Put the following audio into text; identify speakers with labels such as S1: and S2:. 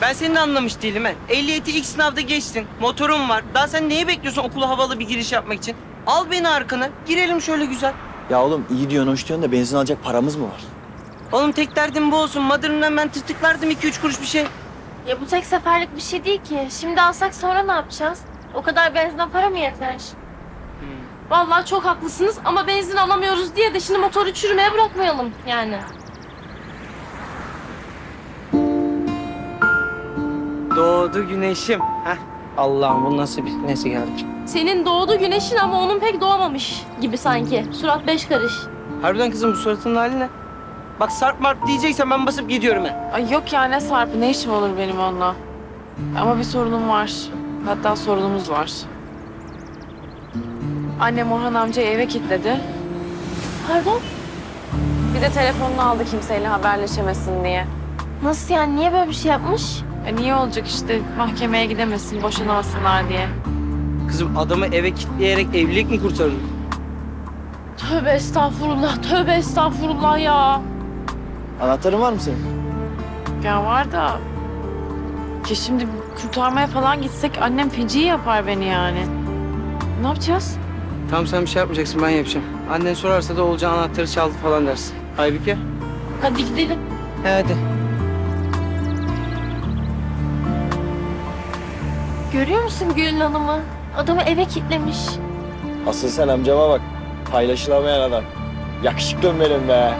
S1: Ben seni de anlamış değilim he. Ehliyeti ilk sınavda geçtin. Motorun var. Daha sen neyi bekliyorsun okula havalı bir giriş yapmak için? Al beni arkana. Girelim şöyle güzel.
S2: Ya oğlum iyi diyorsun, hoş diyorsun da benzin alacak paramız mı var?
S1: Oğlum tek derdim bu olsun. Mother'ından ben tırtıklardım 2-3 kuruş bir şey.
S3: Ya bu tek seferlik bir şey değil ki. Şimdi alsak sonra ne yapacağız? O kadar benzine para mı yeter? Vallahi çok haklısınız ama benzin alamıyoruz diye de şimdi motoru çürümeye bırakmayalım yani.
S1: Doğdu güneşim. Heh. Allah'ım bu nasıl bir... Neyse geldik.
S3: Senin doğdu güneşin ama onun pek doğmamış gibi sanki. Surat 5 karış.
S1: Harbiden kızım bu suratının hali ne? Bak sarp marp diyeceksen ben basıp gidiyorum he.
S4: Ay yok ya, ne Sarp'ı, ne işim olur benim onunla. Ama bir sorunum var. Hatta sorunumuz var. Annem Orhan amcayı eve kilitledi.
S3: Pardon?
S4: Bir de telefonunu aldı kimseyle haberleşemesin diye.
S3: Nasıl yani? Niye böyle bir şey yapmış?
S4: Niye olacak işte, mahkemeye gidemesin, boşanamasınlar diye.
S1: Kızım adamı eve kilitleyerek evlilik mi kurtarırdın?
S3: Tövbe estağfurullah, tövbe estağfurullah ya.
S2: Anahtarın var mı senin?
S4: Ya var da... Ki şimdi kurtarmaya falan gitsek annem feci yapar beni yani. Ne yapacağız?
S1: Tamam sen bir şey yapmayacaksın ben yapacağım. Annen sorarsa da olacağı anahtarı çaldı falan dersin. Aybike.
S3: Hadi gidelim.
S1: Hadi.
S3: Görüyor musun Gülün Hanım'ı? Adamı eve kilitlemiş.
S2: Asıl sen amcama bak. Paylaşılamayan adam. Yakışıklım benim be.